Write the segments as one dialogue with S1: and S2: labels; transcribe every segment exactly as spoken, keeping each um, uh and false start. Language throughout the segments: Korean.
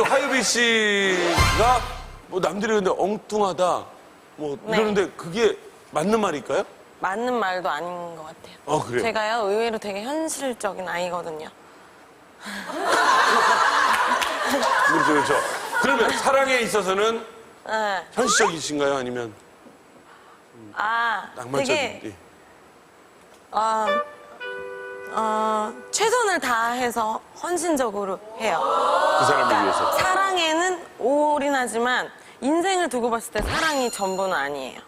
S1: 하유비 씨가 뭐 남들이 근데 엉뚱하다 뭐
S2: 네.
S1: 이러는데 그게 맞는 말일까요?
S2: 맞는 말도 아닌 것 같아요.
S1: 아, 그래요?
S2: 제가요, 의외로 되게 현실적인 아이거든요.
S1: 그렇죠, 그렇죠. 그러면 사랑에 있어서는
S2: 네.
S1: 현실적이신가요? 아니면
S2: 아,
S1: 낭만적인?
S2: 되게,
S1: 예.
S2: 어, 어, 최선을 다해서 헌신적으로 해요.
S1: 그 사람을
S2: 그러니까
S1: 위해서.
S2: 사랑에는 올인하지만 인생을 두고 봤을 때 사랑이 전부는 아니에요.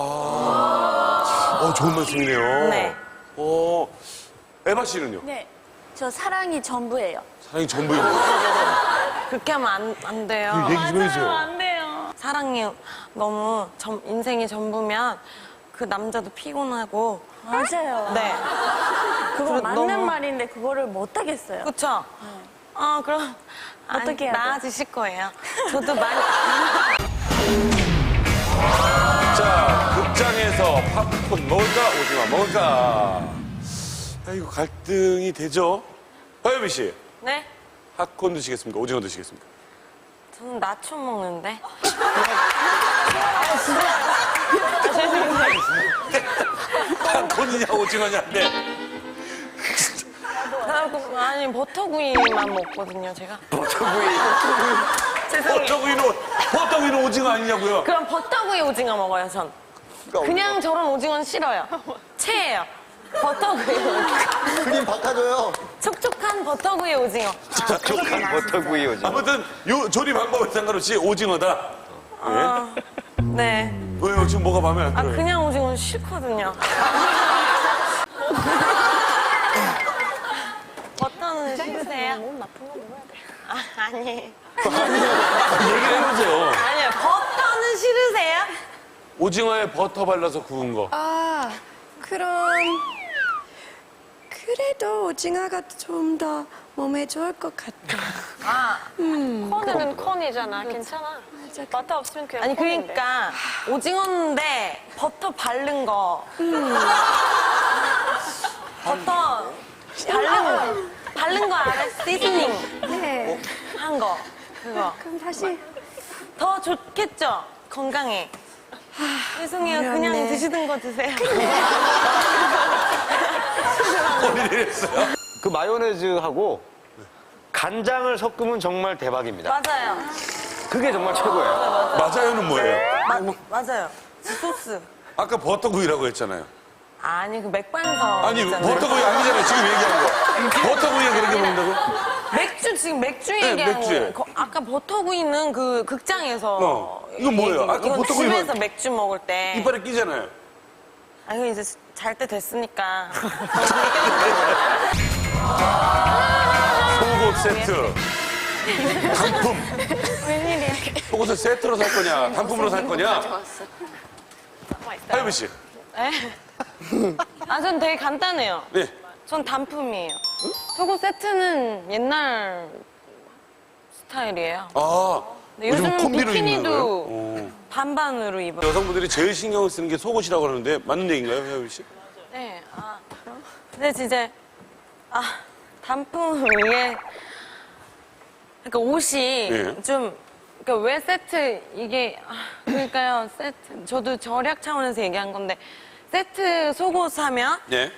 S1: 아, 어, 좋은 말씀이네요.
S2: 네.
S1: 어, 에바 씨는요?
S3: 네. 저 사랑이 전부예요.
S1: 사랑이 전부이네요.
S2: 그렇게 하면 안, 안 돼요.
S1: 얘기 좀 해주세요.
S3: 안 돼요.
S2: 사랑이 너무 전, 인생이 전부면 그 남자도 피곤하고.
S3: 맞아요.
S2: 네.
S3: 그거
S2: 그리고
S3: 맞는
S2: 너무-
S3: 말인데 그거를 못 하겠어요.
S2: 그쵸? 아, 그럼.
S3: 어떻게 해야 돼?
S2: 나아지실 거예요. 저도 많이.
S1: 자, 극장에서 팝콘 먹을까, 오징어 먹을까? 아, 이거 갈등이 되죠? 하유비 씨,
S2: 네?
S1: 팝콘 드시겠습니까? 오징어 드시겠습니까?
S2: 저는 나초 먹는데.
S1: 팝콘이냐, 오징어냐, 네.
S2: 그래갖고, 아니, 버터구이만 먹거든요, 제가.
S1: 버터구이.
S2: 죄송해요.
S1: 버터구이는, 버터구이는 오징어 아니냐고요?
S2: 그럼 버터구이 오징어 먹어요, 전.
S1: 그러니까
S2: 그냥 저런 오징어는 싫어요. 체예요. 버터구이 오징어.
S4: 크림 바꿔줘요.
S2: 촉촉한 버터구이 오징어.
S4: 촉촉한 버터구이 오징어.
S1: 아무튼 요 조리 방법에 상관없이 오징어다.
S2: 아, 네.
S1: 왜요? 지금 뭐가 마음에 안
S2: 아,
S1: 들어요?
S2: 그냥 오징어는 싫거든요. 버터는 싫으세요?
S3: 몸 나쁜 거 먹어야 돼.
S2: 아, 아니.
S1: 얘기를 해보세요.
S2: 아니요, 버터는 싫으세요?
S1: 오징어에 버터 발라서 구운 거.
S5: 아, 그럼 그래도 오징어가 좀 더 몸에 좋을 것 같아.
S2: 아,
S6: 콘은 콘이잖아. 괜찮아. 버터 없으면 그냥
S2: 아니,
S6: 콘인데.
S2: 그러니까 오징어인데 버터 바른 거. 버터 바른 거. 바른 거 알아? 시즈닝
S5: 네.
S2: 한 거. 그거.
S5: 그럼 다시
S2: 더 좋겠죠? 건강에. 죄송해요. 그냥
S5: 어렵네.
S2: 드시던 거 드세요.
S4: 그 마요네즈하고 간장을 섞으면 정말 대박입니다.
S2: 맞아요.
S4: 그게 정말 최고예요.
S1: 맞아요는 뭐예요?
S2: 마, 맞아요. 소스.
S1: 아까 버터구이라고 했잖아요.
S2: 아니, 그 맥반석.
S1: 아니,
S2: 있잖아요.
S1: 버터구이 아니잖아요. 지금 얘기한 거. 버터구이에 그렇게 먹는다고?
S2: 맥주, 지금 맥주
S1: 네,
S2: 얘기하는
S1: 맥주에.
S2: 거예요. 거- 아까 버터구이는 그 극장에서.
S1: 어. 이건 뭐예요? 아까
S2: 이건
S1: 버터구이만-
S2: 집에서 맥주 먹을 때.
S1: 이빨에 끼잖아요.
S2: 아니, 이제 잘 때 됐으니까.
S1: 속옷 세트. 단품.
S2: 웬일이야.
S1: 속옷을 세트로 살 거냐, 단품으로 살 거냐? 하유비 씨.
S2: 에? 아, 전 되게 간단해요.
S1: 네.
S2: 전 단품이에요. 속옷 세트는 옛날 스타일이에요.
S1: 아,
S2: 근데
S1: 요즘
S2: 요즘은
S1: 콤비로 입는
S2: 비키니도
S1: 거예요? 어.
S2: 반반으로 입어요.
S1: 여성분들이 제일 신경을 쓰는 게 속옷이라고 하는데 맞는 얘기인가요, 하유비 씨?
S2: 네, 아, 근데 진짜, 아, 단품 이게, 그러니까 옷이
S1: 네.
S2: 좀, 그러니까 왜 세트, 이게, 아, 그러니까요, 세트, 저도 절약 차원에서 얘기한 건데, 세트 속옷 사면
S1: 네.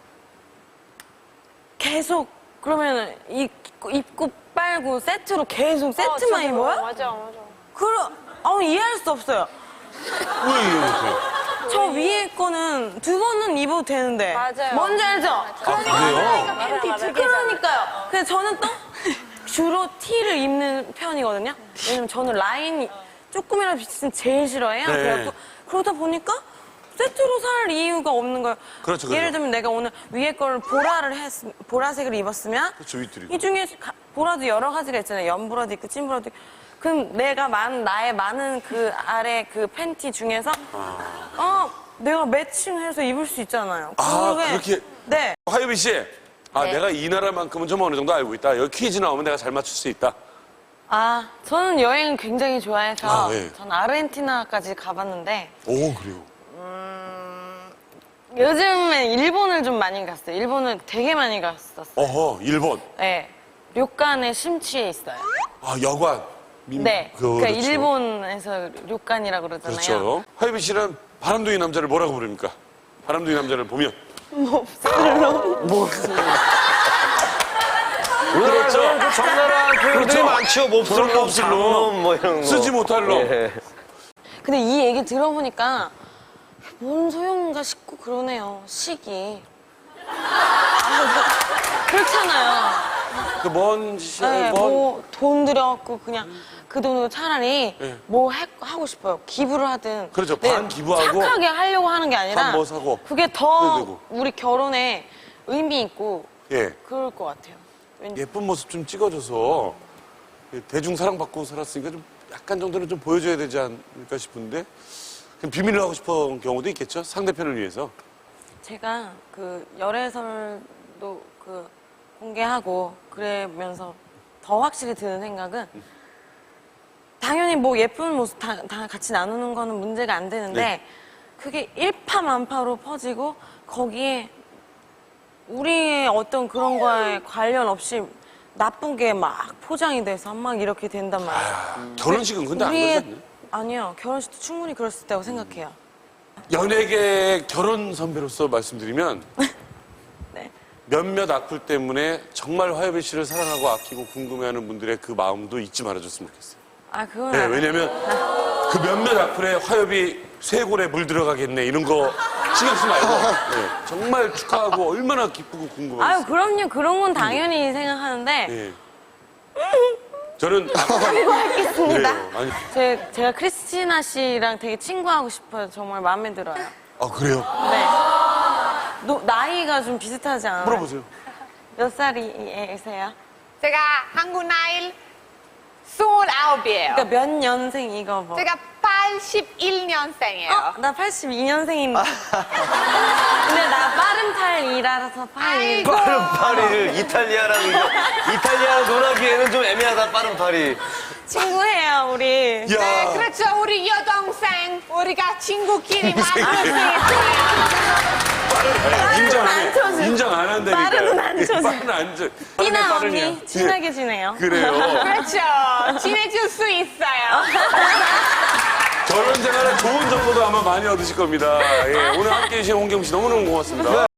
S2: 계속, 그러면 입고, 입고 빨고 세트로 계속
S6: 어,
S2: 세트만
S6: 진짜
S2: 입어요?
S6: 맞아, 맞아.
S2: 그럼, 어, 이해할 수 없어요.
S1: 왜 이러세요?
S2: 저 위에 거는 두 번은 입어도 되는데.
S6: 맞아요.
S2: 뭔지 알죠?
S1: 아, 그래요?
S6: 팬티 두
S2: 그러니까요. 근데 저는 또 주로 티를 입는 편이거든요. 왜냐면 저는 라인이 조금이라도 비치면 제일 싫어해요.
S1: 네.
S2: 그래갖고 그러다 보니까 세트로 살 이유가 없는 거예요.
S1: 그렇죠, 그렇죠.
S2: 예를 들면 내가 오늘 위에 거를 보라를 했, 보라색을 입었으면
S1: 그렇죠, 윗줄이.
S2: 이 중에 가- 보라도 여러 가지가 있잖아요. 연보라도 있고 찐보라도 있고. 그럼 내가 많은, 나의 많은 그 아래 그 팬티 중에서 어, 내가 매칭해서 입을 수 있잖아요.
S1: 아,
S2: 그게-
S1: 그렇게?
S2: 네.
S1: 하유비 씨. 아,
S2: 네.
S1: 내가 이 나라만큼은 좀 어느 정도 알고 있다. 여기 퀴즈 나오면 내가 잘 맞출 수 있다.
S2: 아, 저는 여행을 굉장히 좋아해서
S1: 아, 예.
S2: 전 아르헨티나까지 가봤는데
S1: 오, 그래요?
S2: 요즘에 일본을 좀 많이 갔어요. 일본을 되게 많이 갔었어요.
S1: 어허, 일본.
S2: 네. 료칸에 심취해 있어요.
S1: 아, 여관. 민-
S2: 네.
S1: 그거
S2: 그러니까
S1: 그렇죠.
S2: 일본에서 료칸이라고 그러잖아요.
S1: 그렇죠. 화요비 씨는 바람둥이 남자를 뭐라고 부릅니까? 바람둥이 남자를 보면.
S4: 우리나라에서는 그 적나라한 표현들이
S1: 그렇죠.
S4: 많죠. 몹쓸 놈, 장놈 뭐 이런 거.
S1: 쓰지 못할 놈.
S4: 예.
S2: 근데 이 얘기 들어보니까 뭔 소용인가 싶고 그러네요. 식이. 그렇잖아요.
S1: 그먼 짓이
S2: 네,
S1: 먼
S2: 뭐 돈 들여갖고 그냥 그 돈으로 차라리
S1: 네.
S2: 뭐 해- 하고 싶어요. 기부를 하든.
S1: 그렇죠.
S2: 네,
S1: 반 기부하고
S2: 착하게 하려고 하는 게 아니라
S1: 반뭐 사고.
S2: 그게 더
S1: 그래도 되고.
S2: 우리 결혼에 의미 있고
S1: 예.
S2: 그럴 것 같아요. 왠지.
S1: 예쁜 모습 좀 찍어줘서 대중 사랑받고 살았으니까 좀 약간 정도는 좀 보여줘야 되지 않을까 싶은데 그럼 비밀로 하고 싶은 경우도 있겠죠. 상대편을 위해서.
S2: 제가 그 열애설도 그 공개하고 그러면서 더 확실히 드는 생각은 당연히 뭐 예쁜 모습 다, 다 같이 나누는 거는 문제가 안 되는데
S1: 네.
S2: 그게 일파만파로 퍼지고 거기에 우리의 어떤 그런 거에 관련 없이 나쁜 게 막 포장이 돼서 막 이렇게 된단 말이에요.
S1: 아, 결혼식은 근데 안 그러지
S2: 우리의
S1: 않나요?
S2: 아니요 결혼식도 충분히 그럴 수 있다고 생각해요.
S1: 연예계 결혼 선배로서 말씀드리면
S2: 네.
S1: 몇몇 악플 때문에 정말 화요비 씨를 사랑하고 아끼고 궁금해하는 분들의 그 마음도 잊지 말아줬으면 좋겠어요.
S2: 아 그건
S1: 네,
S2: 안-
S1: 왜냐면 그 몇몇 악플에 화요비 쇄골에 물 들어가겠네 이런 거 신경 쓰지 말고 네, 정말 축하하고 얼마나 기쁘고
S2: 아유
S1: 궁금해요.
S2: 그럼요 그런 건 당연히 생각하는데
S1: 네. 저는
S2: 알겠습니다.
S1: 그래요. 아니,
S2: 제, 제가 크리스티나 씨랑 되게 친구하고 싶어요. 정말 마음에 들어요.
S1: 아 그래요?
S2: 네. 노- 나이가 좀 비슷하지 않아요?
S1: 물어보세요.
S2: 몇 살이세요?
S6: 제가 한국 나이 스물아홉이에요.
S2: 그러니까 몇 년생 이거 뭐?
S6: 제가 팔십일 년생이에요.
S2: 어? 나 팔십이 년생인데. 근데 나 빠른 팔이라서 팔.
S6: 아이고.
S4: 빠른 파리를 이탈리아라는 거. 이탈리아로 논하기에는 좀 애매하다, 빠른 파리.
S2: 친구예요, 우리.
S1: 야,
S6: 네, 그렇죠. 우리 여동생, 우리가 친구끼리 만들 수 있어요.
S1: 인정 안
S2: 안
S1: 해.
S2: 쳐줘.
S1: 인정 안 한다니까요.
S2: 빠르는 안 쳐줘.
S1: 빠르는 안 쳐.
S2: 띠나
S1: 빠르냐.
S2: 언니 친하게 지내요.
S1: 그래요.
S6: 그렇죠. 친해질 수 있어요.
S1: 결혼 생활에 좋은 정보도 아마 많이 얻으실 겁니다. 예, 오늘 함께 해주신 홍경 씨 너무너무 고맙습니다.